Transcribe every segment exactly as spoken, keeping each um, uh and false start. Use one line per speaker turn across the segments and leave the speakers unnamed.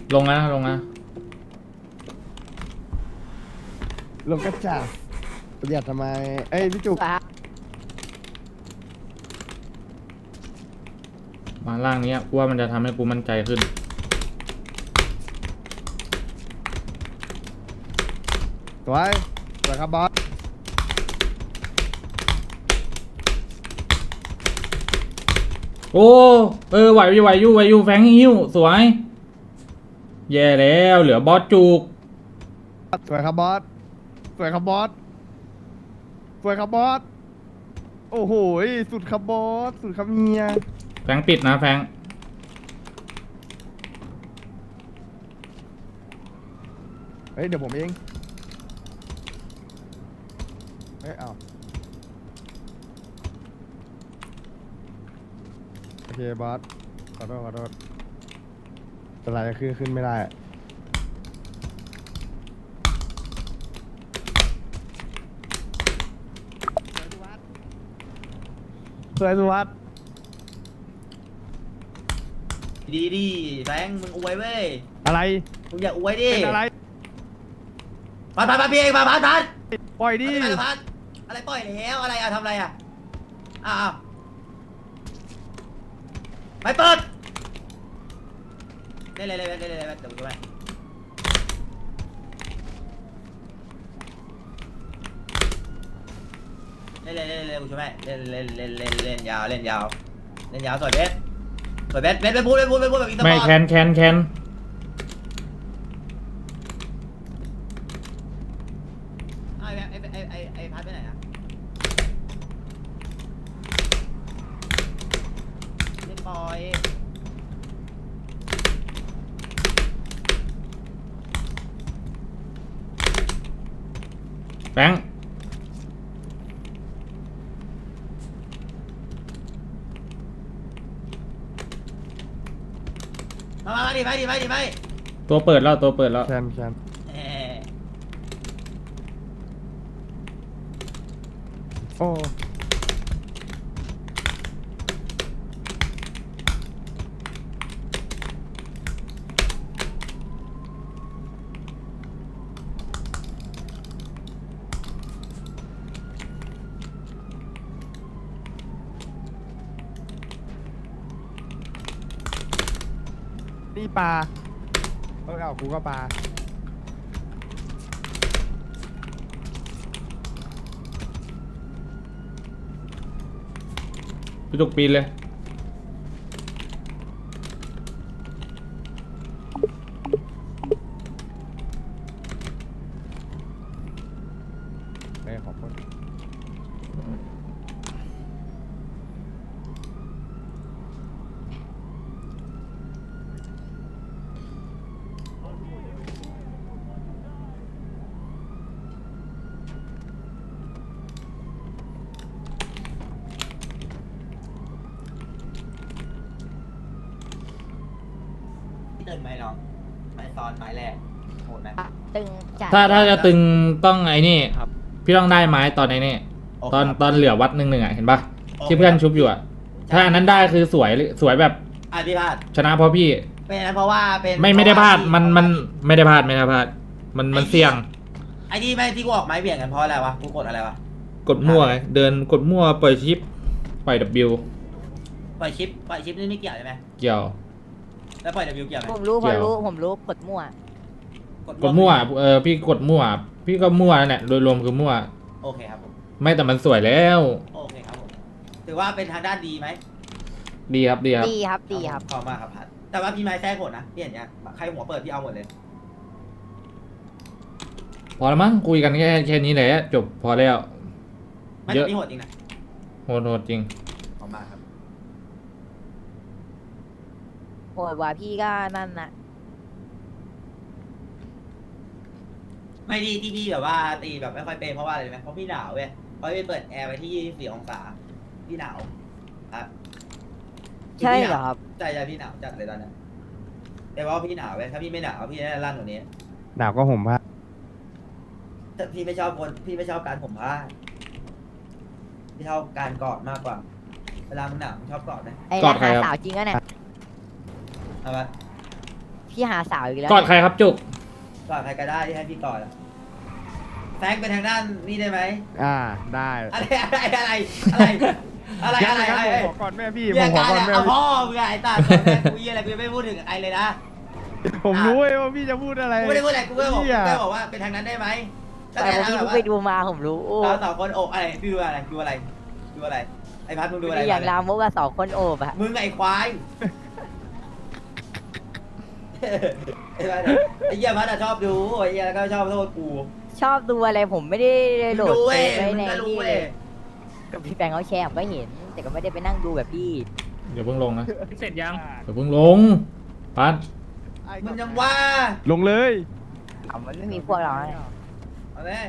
ลงนะลงนะ
ลงกระจาดประหยัดทำไมเอ้ยพี่จุก
มาล่างนี้กูว่ามันจะทำให้กูมั่นใจขึ้น
สวยสวยครับบอส
โอ้เออไหวอยู่ไหวอยู่ไหวอยู่แฟงหิ้วสวยแย่แล้วเหลือบอสจุก
สวยครับบอสสวยครับบอสสวยครับบอสโอ้โหสุดครับบอสสุดครับเฮีย
แฟงปิดนะแฟง
เฮ้ยเดี๋ยวผมเองเฮ้ยเอาโอเคบอสขอโทษขอโทษสไลด์ขึ้นขึ้นไม่ได้สวยสุวัสดิ์
ดีดีแบงค์มึงอวยเว้ย
อะไร
มึงอย่าอวยดิ
เป็นอะไร
พัดพัดพัดพี่เองพัดพัดพัด
ปล่อยดิ
พัดพัดอะไรปล่อยแล้วอะไรอะทำอะไรอะอ้าวไปเปิดเล่นเลยเล่นเลยเล่นเลยเดี๋ยวดูไปเล่นเลยเล่นเลยกูช่วยไหมเล่นเล่นเล่นเล่นเล่นยาวเล่นยาวเล่นยาวสวยเบสสวยเบสเบสไปพูดไปพูดไปพูดแบบอีสปอร์ต
ไม่แคนแคนแคน
ไอ้ไอ้ไอ้ไอ้ไอ้พัดไปไหนอะเล่นปล่อย
แฟง
มามาดิไปดิไปดิไป
ตัวเปิดแล้วตัวเปิดแล้ว
แชมป์แชมป์โอ้นี่ปลาเออเอากูก็ปลา
พี่จุกปีนเลย
ไม่ขอบคุณ
ตึงไหมน้องไม้ซ้อนไม้แรกโหดไหม
ตึงจัด
ถ้าถ้าจะตึงต้องไอ้นี่พี่ต้องได้ไม้ตอนไอ้นี่ตอนตอนเหลือวัดหนึ่งหนึ่งอ่ะเห็นปะที่เพื่อนชุบอยู่อ่ะถ้าอันนั้นได้คือสวยสวยแบบ
อ่ะพี่พลาด
ชนะเพราะพี่
เป็นเพราะว่าเป็น
ไม่ไม่ได้พลาดมันมันไม่ได้พลาดไม่ได้พลาดมันมันเสี่ยง
ไอ้ที่ไม่ที่กูออกไม้เบี่ยงกันเพราะอะไรวะกูกดอะไรวะ
กดมั่วไงเดินกดมั่วปล่อยชิปปล่อย W
ปล่อยชิปปล่อยชิปนี่ไม่เกี่ยวใช่ไหม
เกี่ยว
แล้วปล่อย W เกี่ยวไหม
ผมรู้ผมรู้ผมรู้กดมั่ว
กดมั่วเออพี่กดมั่วพี่ก็มั่วนั่นแหละโดยรวมคือมั่ว
โอเคครับผม
ไม่แต่มันสวยแล้ว
โอเคครับผมถือว่าเป็นทางด้านดีไหม
ดีครับดีครับ
ดีครับดีครับ
ขอบมากครับพัดแต่ว่าพี่ไม้แท้โหดนะพี่เห็นเนี้ยใครหัวเปิดพี่เอาหมดเลย
พอแล้วมั้งคุยกันแค่แค่นี้แหละจบพอแล้ว
ไม่แต่พี่โหดจริงนะ
โหดโหดจริง
ขอบมากครับ
โหดว่าพี่ก็นั่นนะ
ไม่ดีที่พี่แบบว่าตีแบบไม่ค่อยเป็นเพราะว่าอะไรไหมเพราะพี่หนาวเว้ยเพราะพี่เปิดแอร์ไว้ที่ยี่สิบสี่องศาพี่หนาวครับ
ใช่เหรอครับ
ใช่ใช่พี่หนาวจัดเลยตอนนี้แต่ว่าพี่หนาวเว้ยถ้าพี่ไม่หนาวพี่น่าจะลั่นกว่านี้
หนาวก็ห่มผ้า
แต่พี่ไม่ชอบคนพี่ไม่ชอบการผมผ้าพี่ชอบการกอดมากกว่าเวลามึงหนาวมึงชอบกอดไหม
ไอ้ราคาสาวจริงก็เนี่ย
เอาปะ
พี่พี่หาสาวอีกแล้ว
กอดใครครับจุก
ก่อนใครก็ได้ที่ให้พี่ก่อนอะแฟงไปทางด้านนี่ได้ไหม
อ่าได้
อะไรอะไรอะไรอะไรอะไร
งั้น
อะไร
งั้น
อะไร
ผมขอก่อนแม่พี่
เรี
ผ
ย
ม
ก
ขอ
การ
ก่อน
เนี่ย
แม่
เอา
พี่
พ่อมึงไงไอ้ตาตอนแรกกูยี่อะไรกูยังไม่พูดถึงไอ้เลยนะ
ผมรู้เว้ยว่าพี่จะพูดอะไร
กูไม่ได้พูดอะไรกูแค่บอก
เหี้ย
แค่บอกว่าเป็นทางนั้นได้ไหม
แต่
แต่
ผม
ทาง
พี่
แบบ
เพิ่ง
ว่า
ไปดูมาผมรู้โอ้
เราสองคนโอบอะไรพี่ดูอะไรดูอะไรดูอะไรไอ้พัดมึงดูอะไร
อย่างรามกว่าสองคนโอบอะ
มึงไอ้ควายไอ้พัดไอ้เหี้ยพัดอะชอบดูไอ้เหี้ยแล้วก็ชอบโทษกู
ชอบดูอะไรผมไม่ได้โหลด
ดู
เฟ
เว้ย
ซไว้
มึง
ใน
ก็รู้
นี่
เว้
เลย ยกับพี่แฟงเขาแชร์ผมก็เห็น แต่ก็ไม่ได้ไปนั่งดูแบบพี่
เดี๋ยวเพิ่งลงนะ
เสร็จยัง
เดี๋ยวเพิ่งลงปัด
มึงยังว่า
ลงเลย
อ่ะมันไม่มีพวกเรานะ
เอาไหม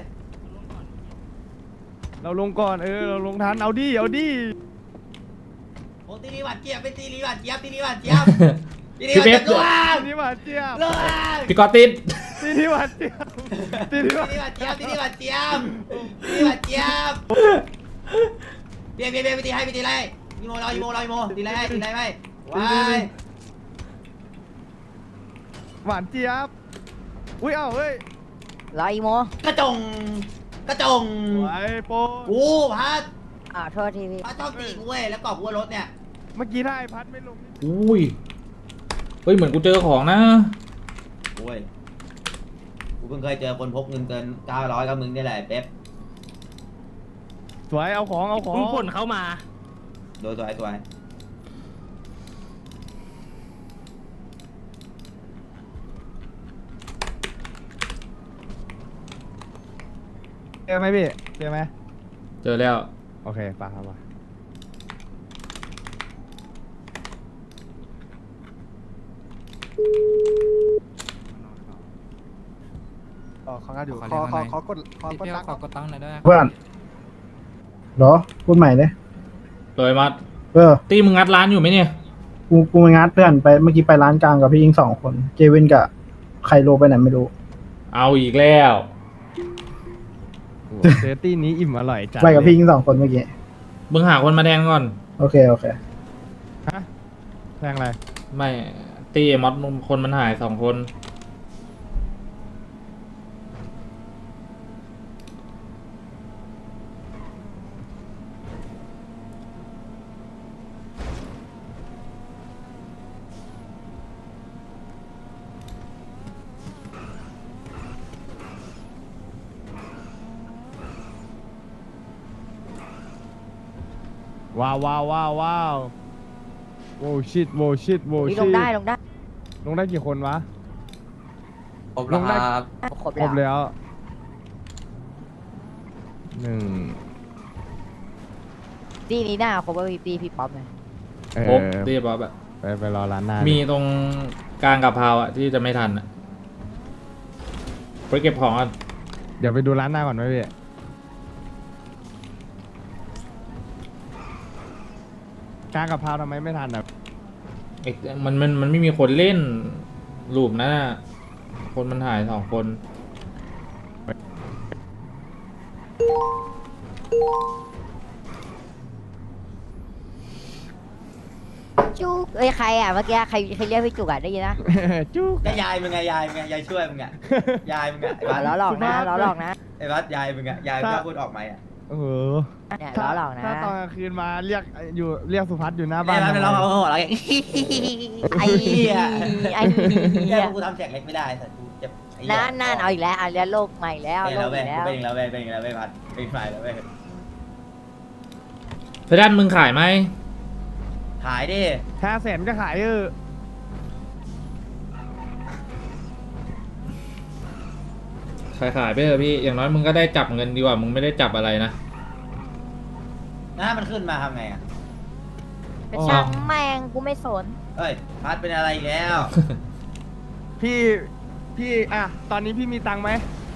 เราลงก่อนเออเราลงทันเอาดิเอาดิ
โอ้ตีนีหวานเจี๊ยบเป็นตีนีหวานเจี๊ยบตีนีหวานเจี๊ยบตีนีห
พี่
วาน
เบ
เจี๊
ฟ
ยบ
ทีนี้หวานเจี๊ยบ
เลิก
พี่กอตติด
ทีนี้หวานเจี๊ยบทีนี้หวาน
ตีนีหวานเจี๊ยบตีนีหวานเจี๊ยบตีนีหวานเจี๊ยบเบียร์เบียร์เบียร์ไปตีให้ไปตีไรยีโมรอยีโมรอยีโมตีไรให้ตีไรไม่ว้าย
หวานเจี๊ยบอุ้ยเอ้าเฮ้ย
รออีโม
กระจงกระจง
ไอ้โป
กูพัด
อ่าโทษทีพี่
พัดชอบตีกูเว้ยแล้วกรอบกูว่ารถเนี่ย
เมื่อกี้ถ้าไอ้พัดไม่ลงนี่
อุ้ยเฮ้ยเหมือนกูเจอของนะ
โอ้ยกูเพิ่งเคยเจอคนพกเงินเกินเก้าร้อยกับมึงนี่แหละเป๊ป
สวยเอาของเอาของ
เพิ่งผลเข้ามา
โดยตัวไอ้ตัวไอ้
เจอไหมพี่เจอไหม
เจอแล้ว
โอเคไปครับไปอ๋อเขาก็อยู่
ขอ
ขอ
เรียก
ขอ
ว่าไง
ขอกดขอกด
พี่
ตังค์
ขอกดตังค์หน่อยด้วย
เพื่อนเหรอ พูดใหม่เลย
เลยมัด
เออ
ตีมึงงัดร้านอยู่ไหมเนี่ย
กู กูไปงัดเพื่อนไป เมื่อกี้ไปร้านกลางกับพี่ยิงสองคน เจวินกับไคโลไปไหนไม่รู้
เอาอีกแล้ว
โอ้โหเซตตี้นี้อิ่มอร่อยจัด
ไปกับ
เลย
พี่ยิงสองคนเมื่อกี้
มึงหาคนมาแทนก่อน
โอเค โอเค
ฮะแพงอะไร
ไม่ตีไอ้มอสคนมันหายสองคน
ว้าวว้าวว้าวว้าวโว้ชิตโว้ชิตโว้
พี่
ชิ
ล
ต
งได้ลงได้
ลงได้กี่คนวะ
ครบแล้วครับ
ครบ
ครบ
แล้ว
แล้วหนึ่ง
ตีนี้หน้าครบว่าพี่ตีพี่ป๊อปเลย
เอ
ครบ
อ
ตีป๊อปอะ
ไปไปรอร้านหน้า
มี
มี
ตรงกลางกับพาวอะที่จะไม่ทันอะไปเก็บของก่อน
เดี๋ยวไปดูร้านหน้าก่อนไหมพี่กลางกับพาวทำไมไม่ทันอ่ะ
ไอ้มันมันมันไม่มีคนเล่นรูปนะคนมันหายสองคน
จุกเอ้ยใครอ่ะเมื่อกี้ใครใครเรียกพี่จุกอ่ะได้ยินนะ
จุ๊ก
ก็ยายมึงไงยายมึงไงยายช่วยมึงไงยายมึงไงไอ้
อ่ะ
บัส
ล้อหลอกนะล้อหลอกนะ
ไอ้บัสยายมึงไงยายมึงก็พูดออกไหมอ่ะ
เออ
เนี่ย
ถ้า
ล้อหลอกนะ
ถ้าตอนกลางคืนมาเรียกอยู่เรียกสุพัฒน์อยู่หน้า
ไอ้
บ้าน
บัสเป็นร้อง
ทำไม
เขาหัวเราะอย่าง
ไอ้เหี้ยไอ้
เนี่
เหี้
ย
ย
กูทำเสียงเล็กไม่ได้แต่กูเจ็บไอ้
นั่นนั่นเอาอีกแล้วเอาแล้วโลกใหม่แล้ว
เป็น
โล
แล้
ก
ว
อี
เว้ย
กแล้ว
เป็นอีกแล้วเว้ยเป็นอีกแล้วเว้ยบัสเป็นฝ่ายแล้วเว้ย
เพดานมึงขายไหม
ขายดิ
ห้าแสนก็ขายเออ
ขายขายไปเถอะพี่อย่างน้อยมึงก็ได้จับเงินดีกว่ามึงไม่ได้จับอะไรนะ
หน้ามันขึ้นมาทำไงอ่ะ
เป็นช่างแมงกูไม่สน
เอ้ยพัดเป็นอะไรอีกแล้ว
พี่พี่อ่ะตอนนี้พี่มีตังค์ไหม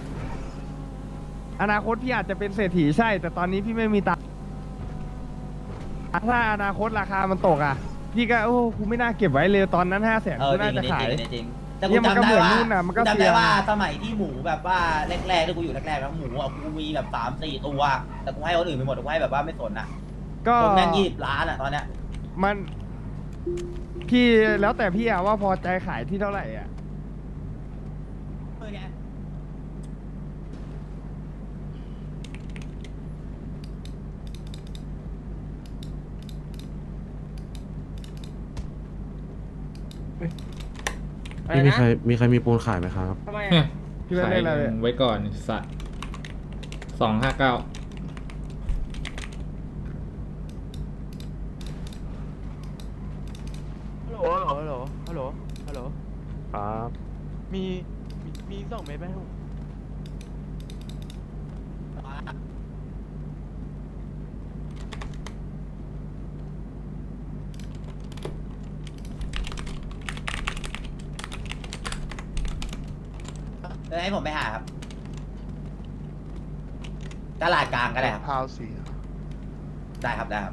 อนาคตพี่อาจจะเป็นเศรษฐีใช่ แต่ตอนนี้พี่ไม่มีตังค์ถ้าอนาคตราคามันตกอ่ะ พี่ก็โอ้กูไม่น่าเก็บไว้เลยตอนนั้นห้าแสน
เออ
กู
จริ
น่าง จะ
จริง
ขาย
จริงจริงแต่
เนี่
กู
ยมันก็
จำได้
เหมือน
ว่า
นู่นน่ะมันก็
จำ
เสี
ได้
ย
ว่าสมัยที่หมูแบบว่าแรกๆที่กูอยู่แรกๆแล้วหมูอ่ะกูมีแบบสามสี่ตัวแต่กูให้คนอื่นไปหมดกูให้แบบว่าไม่สนอ่ะ
ก็
คนแม่งยี่สิบล้านอ่ะตอนเนี้ย
มันพี่แล้วแต่พี่อะว่าพอใจขายที่เท่าไหร่อ่ะ
อไง
พี่มีใครมีใครมีปูนขายไหมครับ
ทำไม
เนี่ย
พี่เป็น
ขา
เลย ขอะไรเนี่ย
ไว้ก่อนไอ้สัตว์สองห้าเก้า
ฮัลโหลฮัลโหลฮัลโหลฮัลโหล
ครับ
มี มี มีสองเมตรไหมครับ
เออให้ผมไปหาครับตลาดกลางก็ได้ครับ
พาวสี
ได้ครับได้ครับ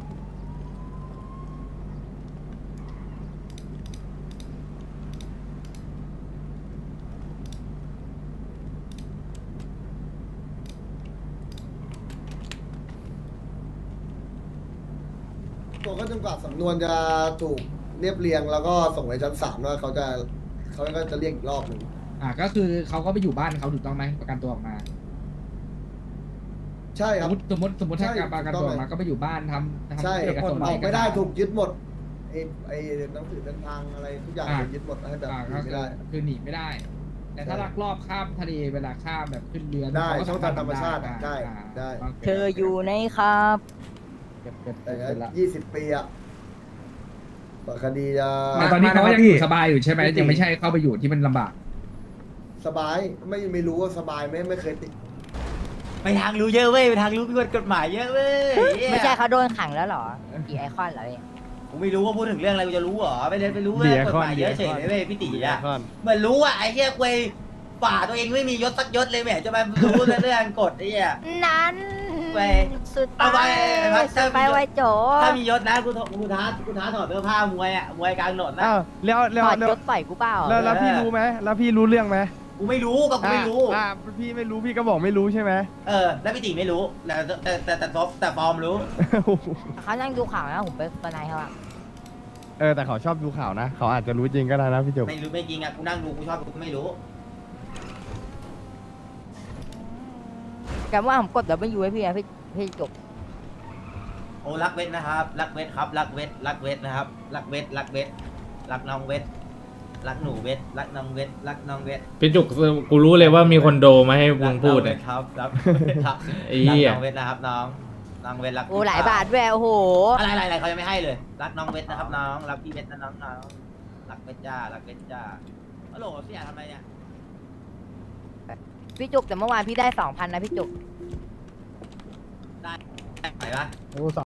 ตัวก็จนกว่าสำนวนจะถูกเรียบเรียงแล้วก็ส่งไปชั้นศาลว่าเขาจะเขาก็จะเรียกอีกรอบหนึ่ง
อ่าก็คือเขาก็ไปอยู่บ้านเขาถูกต้องไหมประกันตัวออกมา
ใช่
ส
ครั
ม
บ
มติสมมติสมมติถ้า
ใช่
การประกันตัวออกมา
ถูกต้อง
ก็ไปอยู่บ้านทำทำ
ใช่
เอกสาร
ออกไม่ได้
เสาร
ถูกยึดหมดไอ้ไอ้หนังสือเดินทางอะไรทุกอย่างถูกยึดหมดให้แบบ
อ่า
หนี
ก็
ไม่
คือ
ได้
คือหนีไม่ได้ แต่ถ้า
ใช่
ลักลอบข้ามทะเลเวลาข้ามแบบขึ้นเรือ
ได้
เขก็
ช่องทางธรรมชาติ
อ่
ได้
อ่า
ได้
โค
เธออยู่ในครับ
เก็บเก็บ
แต่
เก็บเสร็จละ
ยี่สิบปีอะกว่าคดีจะ
แต่ตอนนี้เขาก็ยังอยู่สบายอยู่ใช่ไหมยังไม่ใช่เข้าไปอยู่ที่มันลำบาก
สบายไม่ไม่รู้ว่าสบายไหมไม่เคยติด
ไปทางรู้เยอะเว้ยไปทางรู้พิกฎกฎหมายเยอะเว้ย
ไม่ใช่เขาโดนขังแล้วเหรอกี่ไอคอนเหรอพี่
กูไม่รู้ว่าพูดถึงเรื่องอะไรกูจะรู้เหรอไม่ได้ไปรู้เรื่องกฎหมายเยอะเฉยเลยเว้ยพี่ตีอะ
ก่อน
เหมือนรู้อ่ะไอ้เหี้ยควยฝ่าตัวเองไม่มียศสักยศเลยแหมจะมารู้เรื่องกฎไอ้เหี้ย
นั้น
ไป
สุด
เอาไป
ไป
เอาไป
สุดไปไวโจ
ถ้ามียศนะกูถกูท้ากูท้าถอดเสื้อผ้ามวยอ่ะมวยกลางถนนนะ
อ้าวแล้วแล้ว
ถอด
แล้ว
ยศปล่อยกูเปล่า
แล้วแล้วพี่รู้ไหมแล้วพี่รู้เรื่องไหม
กูไม่รู้ก็กูไม่รู้
อ่าอ่าพี่ไม่รู้พี่ก็บอกไม่รู้ใช่ไหม
เออแล้วพี่ตีไม่รู้แต่แต่แต่แต่แต่แต่ฟอร์มรู้
เขานั่งดูข่าวนะผมไปตอนไหนเขาอะ
เออแต่เขาชอบดูข่าวนะ เขาอาจจะรู้จริงก็ได้นะพี่จุก
ไม่รู้ไม่จริงอ่ะกูนั่งดูกูชอบกูไม่รู้
แต่ว่าผมกดดับเบิลยูให้พี่นะพี่พี่จบ
โอ้รักเวทนะครับ รักเวทครับรักเวทรักเวทนะครับ รักเวทรักเวทรักน้องเวทรักหนูเวทรักน้องเวทรักน้องเวท
พี่จุกกูรู้เลยว่ามีคนโดมาให้มึงพูด
เล
เนี่ย ย
ครับรักครับ
ไอ้เหี้ย
รักน้องเวทนะครับน้องน้องเวทรัก
โอ้หลายบาทด้วยโอ้โห
อะไรอะไรอะไรเขายังไม่ให้เลย รักน้องเวทนะครับน้องรักพี่เวทนะน้องน้องรักเวทจ้ารักเวทจ้าฮัลโหลพี่อยากทำอะไรเนี่ย
พี่จุกแต่เมื่อวานพี่ได้สองพันนะพี่จุก
ได้ไหนปะ
โอ้ส